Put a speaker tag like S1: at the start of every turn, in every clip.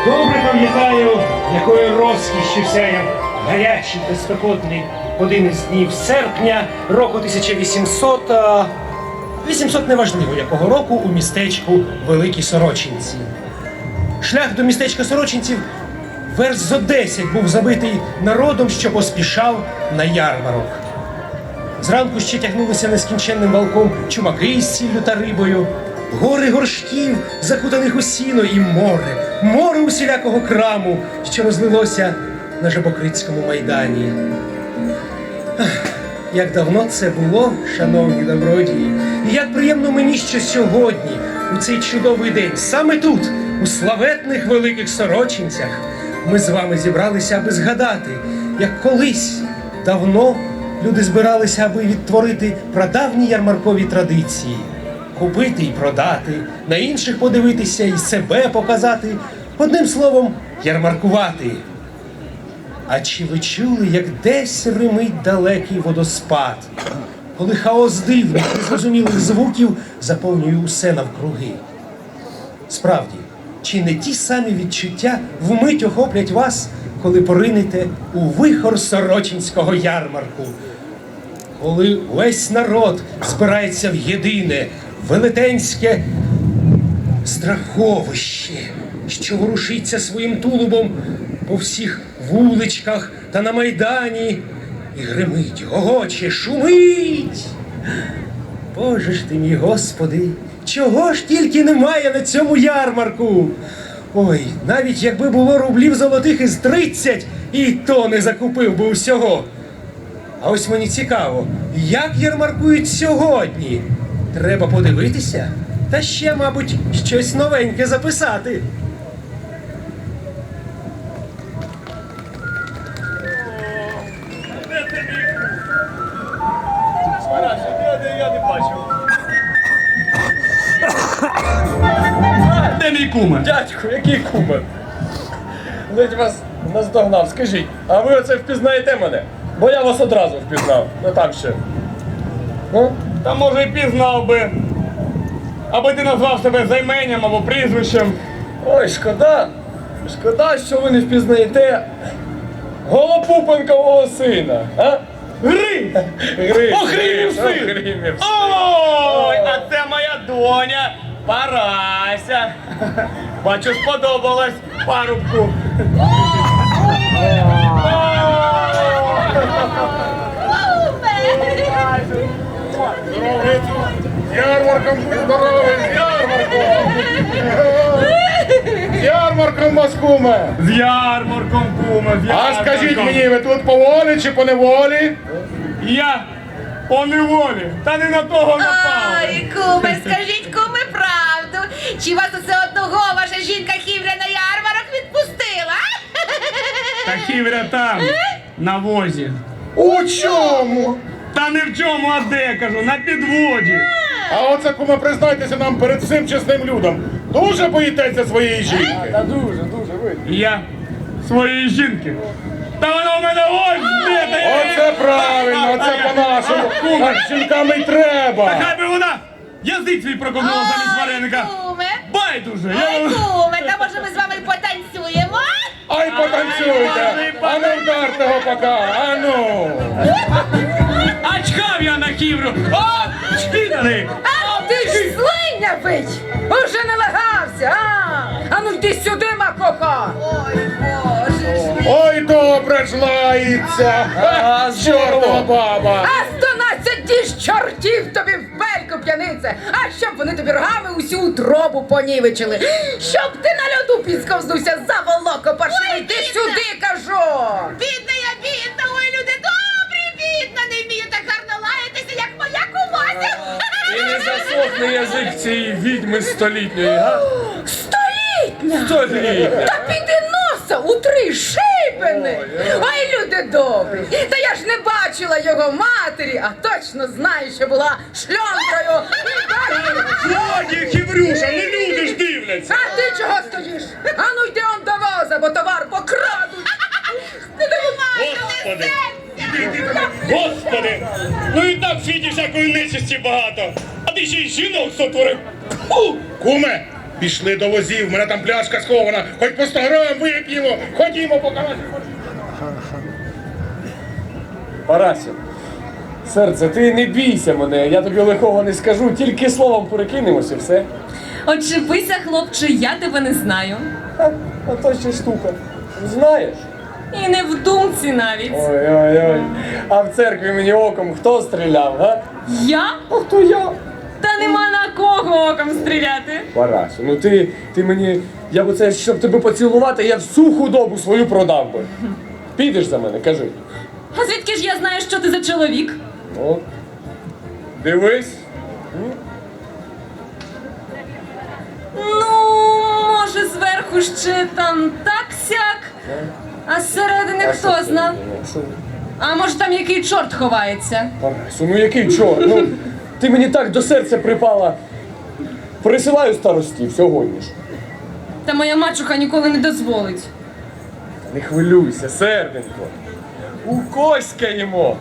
S1: Добре пам'ятаю, якою розкішшю сяяв гарячий та спекотний один із днів серпня року 1800, 800 неважливо якого року, у містечку Великі Сорочинці. Шлях до містечка Сорочинців верст зо 10 був забитий народом, що поспішав на ярмарок. Зранку ще тягнулися нескінченним валком чумаки з сіллю та рибою, гори горшків, закутаних у сіно, і море усілякого краму, що розлилося на Жабокрицькому майдані. Як давно це було, шановні добродії, і як приємно мені, що сьогодні, у цей чудовий день, саме тут, у славетних Великих Сорочинцях, ми з вами зібралися, аби згадати, як колись, давно, люди збиралися, аби відтворити прадавні ярмаркові традиції. Купити і продати, на інших подивитися і себе показати. Одним словом, ярмаркувати. А чи ви чули, як десь римить далекий водоспад, коли хаос дивних, незрозумілих звуків заповнює усе навкруги? Справді, чи не ті самі відчуття вмить охоплять вас, коли поринете у вихор Сорочинського ярмарку? Коли весь народ збирається в єдине, велетенське страховище, що ворушиться своїм тулубом по всіх вуличках та на майдані, і гримить, гогоче, шумить. Боже ж ти мій, Господи, чого ж тільки немає на цьому ярмарку? Ой, навіть якби було рублів золотих із 30, і то не закупив би усього. А ось мені цікаво, як ярмаркують сьогодні? Треба подивитися, та ще, мабуть, щось новеньке записати.
S2: Я не бачу.
S3: Де мій куме?
S2: Дядько, який кумир? Ледь вас наздогнав. Скажіть, а ви оце впізнаєте мене? Бо я вас одразу впізнав. Ну там ще. Ну?
S3: Та може і пізнав би. Аби ти назвав себе займенням або прізвищем.
S2: Ой, шкода. Шкода, що ви не впізнаєте Голопупенкового сина. А?
S3: Грим! Охрімів син!
S2: Охрімів.
S3: Ой, а це моя доня Парася. Бачу, сподобалась парубку.
S4: Ярмарком будь здоровий, з ярмарком! З ярмарком вас, куме!
S3: З ярмарком, куме, з
S4: А
S3: ярмарком.
S4: скажіть мені, ви тут по волі чи по неволі?
S3: Я по неволі, та не на того напав.
S5: Ой, куме, скажіть, куме, правду. Чи вас усе одного ваша жінка Хівря на ярмарок відпустила?
S3: Та Хівря там, на возі.
S4: У чому?
S3: Та не в чому, а де, кажу, на підводі.
S4: А оце, куме, признайтеся нам перед всім чесним людом. Дуже боїтеся своєї жінки?
S2: Та дуже видно.
S3: Я своєї жінки. Та вона в мене ось де, та я...
S4: Оце правильно, оце по-нашому. Так з жінками й треба.
S3: Та хай би вона язик свій проковнула замість вареника.
S5: Куме.
S3: Байдуже,
S5: Ой, куме, та може ми з вами потанцюємо?
S4: Ай, потанцюйте! А ну вдарте го пока, а ну!
S3: А чхав я на Хівру. О, чхіданий.
S6: А ти ж слиня бить! Уже не лагався, а ну йди сюди, макоха!
S5: Ой, боже ж мій.
S4: Ой, добре ж лається!
S2: Ага,
S4: Чорна баба!
S6: А 12 діж чортів тобі в бельку, п'янице! А щоб вони тобі рогами усю утробу понівечили! Щоб ти на льоду підсковзнувся за волоко паршивий! Йди сюди, кажу!
S5: Бідна я, бідна, ой, люди добрі, бідна, не вмію так гарно лаятися, як моя кумася.
S2: І не засохне язик цієї відьми столітньої, га?
S6: Столітня!
S2: Столітня!
S6: Та піди носа у 3 шибени! Ой, люди добрі! Та я ж не бачила його матері, а точно знаю, що була шльонкою!
S3: Годі, Хіврюша, ну люди ж дивляться.
S6: А ти чого стоїш? А ну йди он до воза, бо товар покрадуть! Не
S3: Господи! Господи! Ну і так в світі всякої нечисті багато. А ти ще й жінок сотворив. Фу!
S4: Куме, Пішли до возів, в мене там пляшка схована. Хоч по 100 грам вип'ємо. Ходімо, поки нас не
S2: Парасю, серце, ти не бійся мене, я тобі лихого не скажу, тільки словом перекинемося, все.
S7: Очепися, хлопче, я тебе не знаю.
S2: Ха, а то ще штука. Знаєш?
S7: І не в думці навіть.
S2: Ой-ой-ой. А в церкві мені оком хто стріляв, га?
S7: Я?
S2: А хто я?
S7: Та нема на кого оком стріляти.
S2: Парасю, ну ти мені, я б це, щоб тебе поцілувати, я всю худобу свою продав би. Підеш за мене, кажи.
S7: А звідки ж я знаю, що ти за чоловік?
S2: Ну, дивись.
S7: Ну, може, зверху ще там так-сяк, а зсередини хто зна? А може там який чорт ховається?
S2: Парасю, ну який чорт? Ну, ти мені так до серця припала. Присилаю старостів сьогодні ж.
S7: Та моя мачуха ніколи не дозволить.
S2: Не хвилюйся, серденько. Укоськаємо.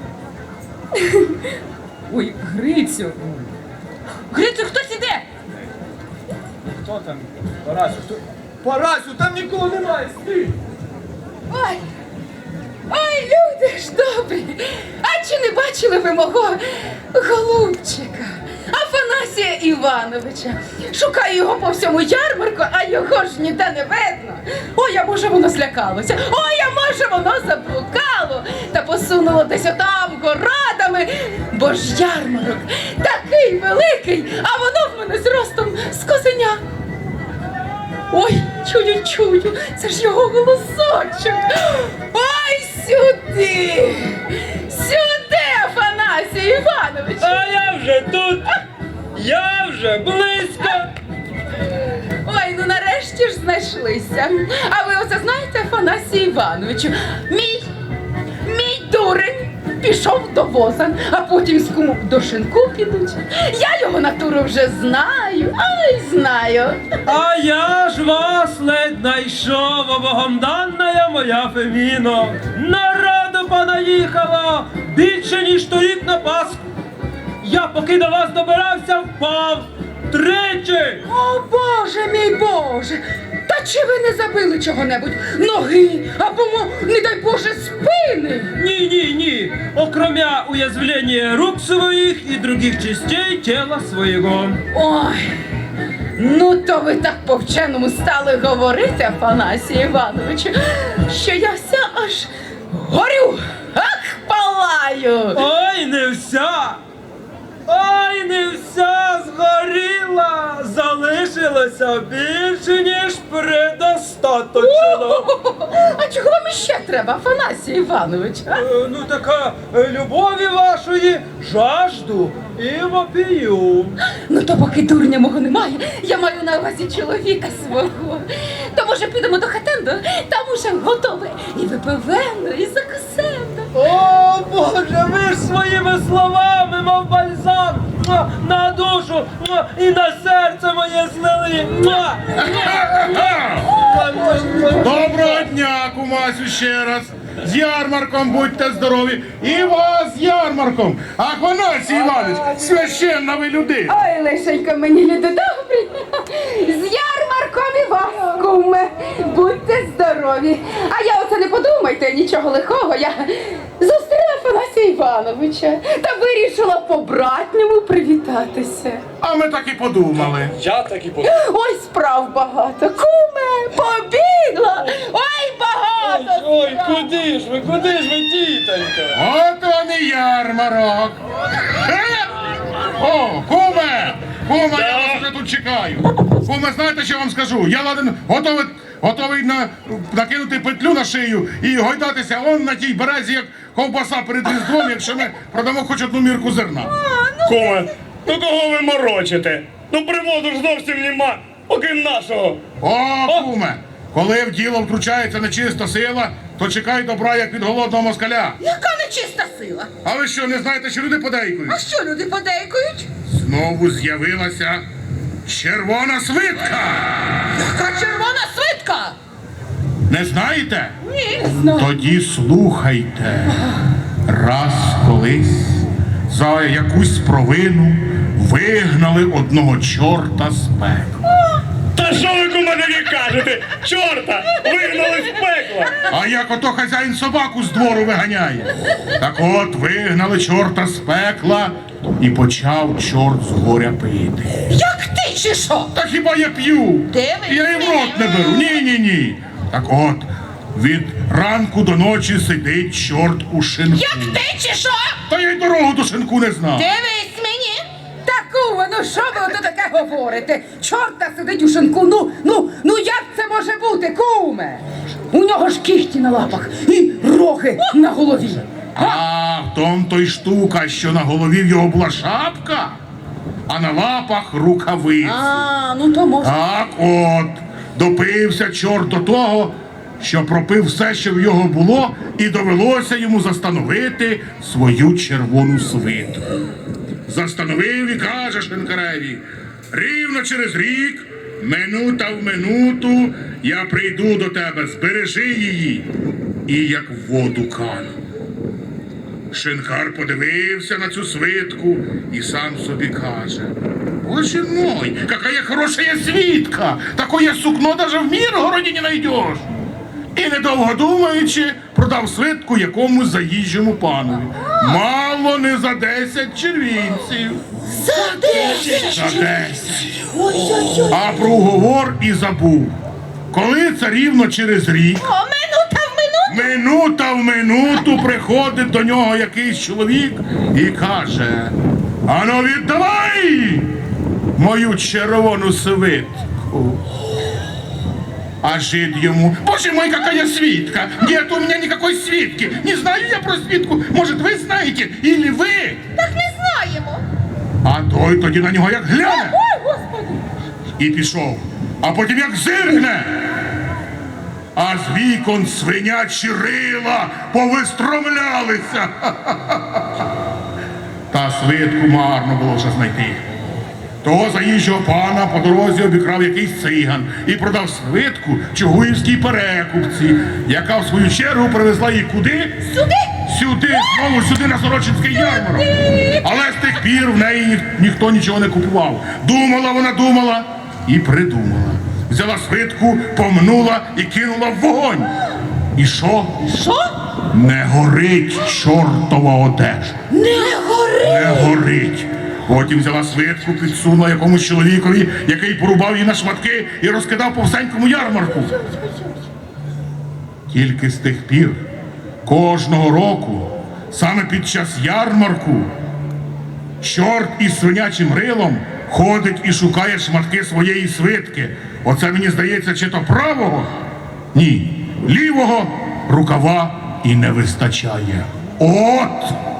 S7: Ой, Грицю. Грицю, хтось іде?
S2: Хто там? Парасю, хто? Парасю, там нікого немає, стій!
S6: Ой, ой, люди ж добрі. А чи не бачили ви мого голубчика? Афанасія Івановича. Шукаю його по всьому ярмарку, а його ж ніде не видно. Ой, а може воно злякалося. Ой, а може воно заблукало та посунуло десь отам городами. Бо ж ярмарок такий великий, а воно в мене зростом з козеня. Ой, чую, це ж його голосочок. Ой, сюди! Сюди, Афанасій Іванович!
S1: А я вже тут, я вже близько.
S6: Ой, ну нарешті ж знайшлися. А ви оце знаєте, Афанасій Івановичу, мій дурень пішов до воза, а потім з кумом до шинку підуть. Я його натуру вже знаю, ай, знаю.
S1: А я ж вас ледь найшов, о богом данная моя Феміно. Народу понаїхало більше, ніж торік на Пасху. Я поки до вас добирався, впав тричі.
S6: О, Боже мій Боже! Та чи ви не забили чого-небудь? Ноги або, не дай Боже, спини?
S1: Ні. Окромя уязвления рук своих и других частей тела своего.
S6: Ой, ну то ви так по-вченому стали говорити, Афанасій Івановичу, що я вся аж горю, ах, палаю.
S1: Ой, не вся згоріла, залишилося більше, ніж предостаточно.
S6: А чого вам іще треба, Афанасій Іванович? А?
S1: Ну така любові вашої жажду і вопію.
S6: Ну то поки дурня мого немає, я маю на увазі чоловіка свого. То може підемо до хатенду, там уже готове і випивено, і закусено.
S1: О, Боже, ви ж своїми словами, мов бальзам, на душу і на серце моє злили.
S4: Доброго дня, кумасю, ще раз. З ярмарком будьте здорові. І вас з ярмарком. Афанасій Іванович, священна ви людина.
S6: Ой, лишенько мені, люди добрі. З ярмарком і вас, куме. Будьте здорові. А я оце не подумайте нічого лихого. Я зустріла Афанасія Івановича та вирішила по-братньому привітатися.
S4: А ми так і подумали.
S2: Я так і подумав.
S6: Ой, справ багато. Куме, побігла. Ой, багато.
S2: Ой, куди ж ви, тітонька?
S4: От вам і ярмарок. О, куме! Куме, я вас вже тут чекаю. Куме, знаєте, що я вам скажу? Я ладен готовий накинути петлю на шию і гойдатися он на тій березі, як ковбаса перед Різдвом, якщо ми продамо хоч одну мірку зерна.
S3: Куме, ну кого ви морочите? Ну приводу ж зовсім нема, окрім нашого.
S4: О, куме! Коли в діло втручається нечиста сила, то чекай добра, як від голодного москаля.
S6: Яка нечиста сила?
S4: А ви що, не знаєте, що люди подейкують?
S6: А що люди подейкують?
S4: Знову з'явилася червона свитка!
S6: Яка червона свитка?
S4: Не знаєте?
S6: Ні, не знаю.
S4: Тоді слухайте. Раз колись за якусь провину вигнали одного чорта з пекла.
S3: Та що ви, куме, таке кажете? Чорта вигнали з пекла.
S4: А як ото хазяїн собаку з двору виганяє. Так от вигнали чорта з пекла і почав чорт з горя пити.
S6: Як ти чи що?
S4: Та хіба я п'ю?
S5: Дивись,
S4: Я і в рот не беру. Ні. Так от, від ранку до ночі сидить чорт у шинку.
S6: Як ти чи що?
S4: Та я й дорогу до шинку не знав.
S5: Дивись мені.
S6: Та куме, ну що ви ото таке говорите? Чорта сидить у шинку, ну як це може бути, куме? У нього ж кіхті на лапах і роги на голові.
S4: А в том то й штука, що на голові в його була шапка, а на лапах рукавиці.
S6: А, ну то може.
S4: Так от, допився чорт до того, що пропив все, що в його було, і довелося йому застановити свою червону свиту. Застановив і каже шинкареві: рівно через рік, минута в минуту, я прийду до тебе, збережи її, і як в воду кану. Шинкар подивився на цю свитку і сам собі каже: «Боже мой, какая хорошая свитка! Такое сукно даже в Миргороді не найдеш!» І, недовго думаючи, продав свитку якомусь заїжджому панові. Мало не за 10 червінців.
S6: За 10!
S4: За 10. А про уговор і забув. Коли це рівно через рік, минута в минуту приходить до нього якийсь чоловік і каже: «Ану, віддавай мою червону свитку». А жид ему: «Боже мой, какая свитка! Нет у меня никакой свитки! Не знаю я про свитку! Может, вы знаете? Или вы?»
S5: Так не знаємо.
S4: А той тоді на нього як гляне і пішов. А потім як зиргне, а з вікон свинячі рила повистромлялися. Та свитку марно було вже знайти. Того заїжджого пана по дорозі обікрав якийсь циган і продав свитку чугуївській перекупці, яка в свою чергу привезла її куди? Сюди, знову сюди, на Сорочинський ярмарок. Але з тих пір в неї ніхто нічого не купував. Думала вона, думала і придумала. Взяла свитку, помнула і кинула в вогонь. І що?
S6: Що?
S4: Не горить чортова одежа. Не горить. Потім взяла свитку, підсунула якомусь чоловікові, який порубав її на шматки і розкидав по всенькому ярмарку. Тільки з тих пір, кожного року, саме під час ярмарку, чорт із свинячим рилом ходить і шукає шматки своєї свитки. Оце, мені здається, чи то правого? Ні, лівого рукава і не вистачає. От!